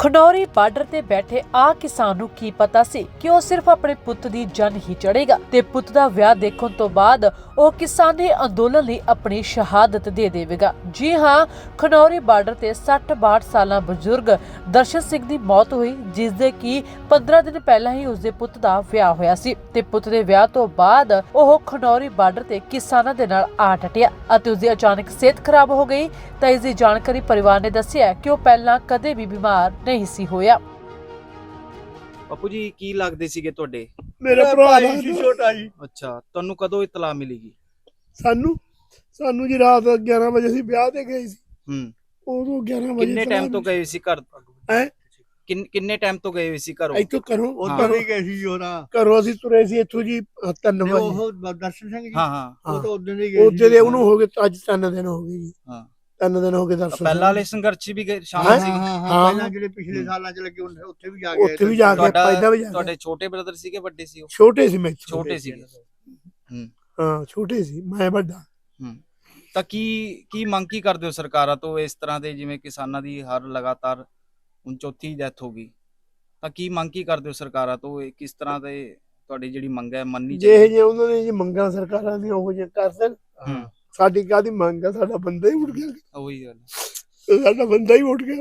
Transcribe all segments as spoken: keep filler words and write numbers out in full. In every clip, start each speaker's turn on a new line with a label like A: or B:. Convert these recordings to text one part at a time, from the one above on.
A: Khanauri border ਤੇ ਬੈਠੇ ਆ ਕਿਸਾਨ ਨੂੰ ਕੀ ਪਤਾ ਸੀ ਕਿ ਉਹ ਸਿਰਫ ਆਪਣੇ ਪੁੱਤ ਦੀ ਜਨ ਹੀ ਚੜੇਗਾ ਤੇ ਪੁੱਤ ਦਾ ਵਿਆਹ ਦੇਖਣ ਤੋਂ ਬਾਅਦ ਉਹ ਕਿਸਾਨੀ ਅੰਦੋਲਨ ਲਈ ਆਪਣੀ ਸ਼ਹਾਦਤ ਦੇ ਦੇਵੇਗਾ। ਜੀ ਹਾਂ, ਖਨੌਰੀ ਬਾਰਡਰ ਤੇ ਸੱਠ ਬਾਹਠ ਸਾਲਾਂ ਬਜ਼ੁਰਗ ਦਰਸ਼ਨ ਸਿੰਘ ਦੀ ਮੌਤ ਹੋਈ, ਜਿਸ ਦੇ ਕਿ ਪੰਦਰਾਂ ਦਿਨ ਪਹਿਲਾਂ ਹੀ ਉਸਦੇ ਪੁੱਤ ਦਾ ਵਿਆਹ ਹੋਇਆ ਸੀ ਤੇ ਪੁੱਤ ਦੇ ਵਿਆਹ ਤੋਂ ਬਾਅਦ ਉਹ ਖਨੌਰੀ ਬਾਰਡਰ ਤੇ ਕਿਸਾਨਾਂ ਦੇ ਨਾਲ ਆ ਡਟਿਆ ਅਤੇ ਉਸਦੀ ਅਚਾਨਕ ਸਿਹਤ ਖਰਾਬ ਹੋ ਗਈ। ਤਾਂ ਇਸ ਦੀ ਜਾਣਕਾਰੀ ਪਰਿਵਾਰ ਨੇ ਦੱਸਿਆ ਕਿ ਉਹ ਪਹਿਲਾਂ ਕਦੇ ਵੀ ਬਿਮਾਰ ਨਹੀਂ ਸੀ ਹੋਇਆ।
B: ਬਾਪੂ ਜੀ ਕੀ ਲੱਗਦੇ ਸੀਗੇ ਤੁਹਾਡੇ?
C: ਮੇਰਾ ਭਰਾ ਸੀ ਛੋਟਾ ਜੀ।
B: ਅੱਛਾ, ਤੁਹਾਨੂੰ ਕਦੋਂ ਇਤਲਾ ਮਿਲੀਗੀ?
C: ਸਾਨੂੰ ਸਾਨੂੰ ਜੀ ਰਾਤ ਗਿਆਰਾਂ ਵਜੇ ਅਸੀਂ ਵਿਆਹ ਤੇ ਗਏ ਸੀ।
B: ਹੂੰ,
C: ਉਦੋਂ ਗਿਆਰਾਂ ਵਜੇ
B: ਕਿੰਨੇ ਟਾਈਮ ਤੋਂ ਗਏ ਸੀ ਘਰ?
C: ਹੈ
B: ਕਿੰਨੇ ਟਾਈਮ ਤੋਂ ਗਏ ਸੀ ਘਰੋਂ?
C: ਇੱਥੋਂ ਘਰੋਂ
D: ਉਧਰ ਵੀ ਗਏ ਸੀ ਜੋਰਾ।
C: ਘਰੋਂ ਅਸੀਂ ਤੁਰੇ ਸੀ ਇੱਥੋਂ ਜੀ ਤਿੰਨ ਵਜੇ।
D: ਉਹ ਦਰਸ਼ਨ ਸਿੰਘ ਜੀ,
B: ਹਾਂ ਹਾਂ,
D: ਉਹ ਤਾਂ ਉਦੋਂ ਦੇ ਗਏ
C: ਉਹਦੇ ਦੇ ਉਹਨੂੰ ਹੋ ਗਏ ਅੱਜ ਤਿੰਨ ਦਿਨ ਹੋ ਗਏ ਜੀ।
B: ਹਾਂ,
C: ਤਿੰਨ ਦਿਨ ਹੋ ਗਏ ਦਰਸ਼ਨ।
B: ਪਹਿਲਾਂ ਵਾਲੇ ਸੰਘਰਸ਼ ਵੀ ਗਏ ਸ਼ਾਮਲ
C: ਹਾਂ,
B: ਸੀ?
D: ਹਾਂ ਹਾਂ, ਪਹਿਲਾਂ ਜਿਹੜੇ ਪਿਛਲੇ ਸਾਲਾਂ ਚ ਲੱਗੇ ਉਹਨੇ ਉੱਥੇ ਵੀ ਜਾ ਕੇ
C: ਉੱਥੇ ਵੀ ਜਾ ਕੇ
B: ਤੁਹਾਡਾ
C: ਪਹਿਲਾਂ ਵੀ ਜਾ ਕੇ
B: ਤੁਹਾਡੇ ਛੋਟੇ ਬ੍ਰਦਰ ਸੀਗੇ ਵੱਡੇ ਸੀ ਉਹ?
C: ਛੋਟੇ ਸੀ ਮੈਂ
B: ਛੋਟੇ ਸੀਗੇ। ਹੂੰ
C: ਹਾਂ, ਛੋਟੇ ਸੀ ਮੈਂ ਵੱਡਾ।
B: ਹੂੰ, ਤਾਂ ਕੀ ਕੀ ਮੰਗ ਕੀ ਕਰਦੇ ਹੋ ਸਰਕਾਰਾਂ ਤੋਂ? ਇਸ ਤਰ੍ਹਾਂ ਦੇ ਜਿਵੇਂ ਕਿਸਾਨਾਂ ਦੀ ਹਰ ਲਗਾਤਾਰ ਹੁਣ ਚੌਥੀ ਡੈਥ ਹੋ ਗਈ, ਤਾਂ ਕੀ ਮੰਗ ਕੀ ਕਰਦੇ ਹੋ ਸਰਕਾਰਾਂ ਤੋਂ? ਇਹ ਕਿਸ ਤਰ੍ਹਾਂ ਦੇ ਤੁਹਾਡੀ ਜਿਹੜੀ ਮੰਗ ਹੈ ਮੰਨੀ
C: ਜੇ
B: ਚਾਹੀਦੀ?
C: ਜੇ ਉਹਨਾਂ ਨੇ ਜੀ ਮੰਗਾਂ ਸਰਕਾਰਾਂ ਦੀਆਂ ਉਹ ਜਿਹੀਆਂ ਕਰ ਦੇਣ,
B: ਹੂੰ,
C: ਸਾਡੀ ਕਾਹਦੀ ਮੰਗ ਆ? ਸਾਡਾ ਬੰਦਾ ਹੀ ਉੱਠ ਗਿਆ,
B: ਉਹੀ ਗੱਲ।
C: ਸਾਡਾ ਬੰਦਾ ਹੀ ਉੱਠ ਗਿਆ।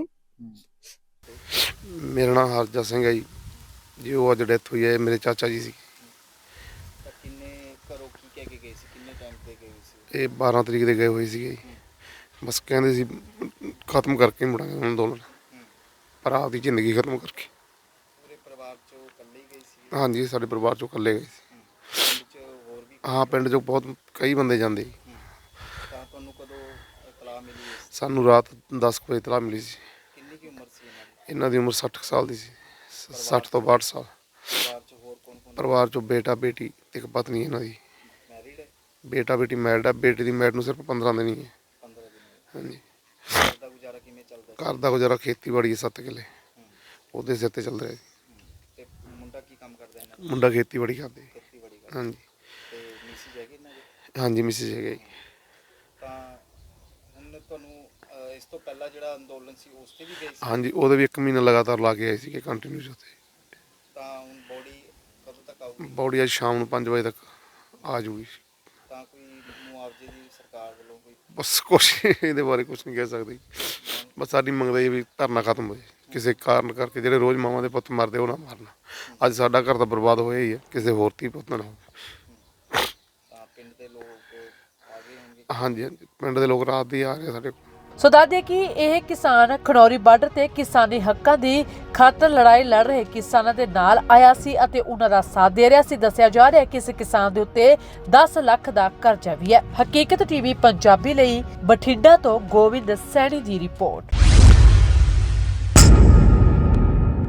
E: ਮੇਰਾ ਨਾਮ ਹਰਜਾ ਸਿੰਘ ਹੈ ਜੀ। ਜੀ ਉਹ ਅੱਜ ਡੈਥ ਹੋਈ ਹੈ, ਮੇਰੇ ਚਾਚਾ ਜੀ ਸੀ।
B: ਕਿੰਨੇ ਘਰੋਂ ਕੀ ਕਹਿ ਕੇ ਗਏ ਸੀ? ਕਿੰਨੇ ਟਾਈਮ ਤੇ ਗਏ ਸੀ?
E: ਇਹ ਬਾਰਾਂ ਤਰੀਕ ਦੇ ਗਏ ਹੋਏ ਸੀਗੇ। ਬਸ ਕਹਿੰਦੇ ਸੀ ਖਤਮ ਕਰਕੇ ਮੁੜਾਂਗੇ ਅੰਦੋਲਨ, ਪਰ ਆਪਦੀ ਜ਼ਿੰਦਗੀ ਖਤਮ ਕਰਕੇ।
B: ਪੂਰੇ ਪਰਿਵਾਰ ਚੋਂ ਇਕੱਲੇ ਹੀ ਗਏ ਸੀ?
E: ਹਾਂਜੀ, ਸਾਡੇ ਪਰਿਵਾਰ ਚੋਂ ਇਕੱਲੇ ਗਏ ਸੀ।
B: ਪਿੰਡ ਚ ਹੋਰ ਵੀ?
E: ਹਾਂ, ਪਿੰਡ ਚੋਂ ਬਹੁਤ ਕਈ ਬੰਦੇ ਜਾਂਦੇ।
B: ਤਾਂ ਤੁਹਾਨੂੰ ਕਦੋਂ ਇਤਲਾਹ ਮਿਲੀ ਇਸ?
E: ਸਾਨੂੰ ਰਾਤ ਦਸ ਕੁ ਵਜੇ ਇਤਲਾਹ ਮਿਲੀ ਸੀ।
B: ਕਿੰਨੀ ਕੀ ਉਮਰ ਸੀ ਇਹਨਾਂ ਦੀ?
E: ਇਹਨਾਂ ਦੀ ਉਮਰ ਸੱਠ ਕੁ ਸਾਲ ਦੀ ਸੀ, ਸੱਠ ਤੋਂ ਬਾਹਠ ਸਾਲ।
B: ਪਰਿਵਾਰ ਚ ਹੋਰ ਕੌਣ ਕੌਣ?
E: ਪਰਿਵਾਰ ਚੋਂ ਬੇਟਾ ਬੇਟੀ ਤੇ ਇੱਕ ਪਤਨੀ ਇਹਨਾਂ ਦੀ।
B: ਮੈਰਿਡ ਹੈ?
E: ਬੇਟਾ ਬੇਟੀ ਮੈਰਿਡ ਆ। ਬੇਟੀ ਦੀ ਮੈਰਿਡ ਨੂੰ ਸਿਰਫ ਪੰਦਰਾਂ ਦਿਨ ਹੀ ਹੈ।
B: ਪੰਦਰਾਂ ਦਿਨ?
E: ਹਾਂਜੀ।
B: ਘਰ ਦਾ ਗੁਜ਼ਾਰਾ ਕਿਵੇਂ ਚੱਲਦਾ ਸੀ?
E: ਘਰ ਦਾ ਗੁਜ਼ਾਰਾ ਖੇਤੀਬਾੜੀ ਹੈ, ਸੱਤ ਕਿੱਲੇ ਉਹਦੇ ਸਿਰ ਤੇ ਚੱਲ ਰਿਹਾ ਜੀ।
B: ਤੇ ਮੁੰਡਾ ਕੀ ਕੰਮ ਕਰਦਾ ਇਹਨਾਂ ਦਾ?
E: ਮੁੰਡਾ ਖੇਤੀਬਾੜੀ ਕਰਦੇ।
B: ਖੇਤੀਬਾੜੀ ਕਰਦਾ।
E: ਹਾਂਜੀ
B: ਤੇ ਮਿਸਿਸ ਹੈਗੀ ਇਹਨਾਂ ਦੀ?
E: ਹਾਂਜੀ, ਮਿਸਿਸ ਹੈਗਾ ਜੀ।
B: ਤਾਂ ਹੁਣ ਤੁਹਾਨੂੰ ਅਹ, ਇਸ ਤੋਂ ਪਹਿਲਾਂ ਜਿਹੜਾ ਅੰਦੋਲਨ ਸੀ ਉਸ ਤੇ ਵੀ ਗਏ ਸੀ?
E: ਹਾਂਜੀ, ਉਹਦੇ ਵੀ ਇੱਕ ਮਹੀਨਾ ਲਗਾਤਾਰ ਲਾ ਕੇ ਆਏ ਸੀਗੇ ਕੰਟੀਨਿਊਸ ਉੱਥੇ।
B: ਤਾਂ ਹੁਣ ਬੋਡੀ ਕਦੋਂ ਤੱਕ ਆਊਗੀ?
E: ਬੌਡੀ ਅੱਜ ਸ਼ਾਮ ਨੂੰ ਪੰਜ ਵਜੇ ਤੱਕ ਆ ਜੂਗੀ।
B: ਤਾਂ ਕੋਈ ਮੁਆਵਜ਼ੇ ਦੀ ਸਰਕਾਰ ਵੱਲੋਂ ਕੋਈ?
E: ਬਸ ਕੁਛ ਇਹਦੇ ਬਾਰੇ ਕੁਛ ਨਹੀਂ ਕਹਿ ਸਕਦੇ। ਬਸ ਸਾਡੀ ਮੰਗਦਾ ਇਹ ਵੀ ਧਰਨਾ ਖਤਮ ਹੋ ਜਾਏ ਕਿਸੇ ਕਾਰਨ ਕਰਕੇ। ਜਿਹੜੇ ਰੋਜ਼ ਮਾਵਾਂ ਦੇ ਪੁੱਤ ਮਰਦੇ ਉਹ ਨਾ ਮਾਰਨਾ। ਅੱਜ ਸਾਡਾ ਘਰ ਤਾਂ ਬਰਬਾਦ ਹੋਇਆ ਹੀ ਹੈ, ਕਿਸੇ ਹੋਰ ਧੀ ਪੁੱਤ ਨਾ ਹੋਵੇ।
B: ਤਾਂ ਪਿੰਡ ਦੇ ਲੋਕ ਆ ਗਏ ਹੋਣਗੇ?
E: ਹਾਂਜੀ ਹਾਂਜੀ, ਪਿੰਡ ਦੇ ਲੋਕ ਰਾਤ ਦੀ ਆ ਰਹੇ ਸਾਡੇ ਕੋਲ।
A: ਸੋ ਦੱਸਦੇ ਕਿ ਇਹ ਕਿਸਾਨ ਖਨੌਰੀ ਬਾਰਡਰ ਤੇ ਕਿਸਾਨੀ ਹੱਕਾਂ ਦੀ ਖਾਤਰ ਲੜਾਈ ਲੜ ਰਹੇ ਕਿਸਾਨਾਂ ਦੇ ਨਾਲ ਆਇਆ ਸੀ ਅਤੇ ਉਹਨਾਂ ਦਾ ਸਾਥ ਦੇ ਰਿਹਾ ਸੀ। ਦੱਸਿਆ ਜਾ ਰਿਹਾ ਕਿ ਇਸ ਕਿਸਾਨ ਦੇ ਉੱਤੇ ਦਸ ਲੱਖ ਦਾ ਕਰਜ਼ਾ ਵੀ ਹੈ। ਹਕੀਕਤ ਟੀਵੀ ਪੰਜਾਬੀ ਲਈ ਬਠਿੰਡਾ ਤੋਂ ਗੋਬਿੰਦ ਸੈਣੀ ਦੀ ਰਿਪੋਰਟ।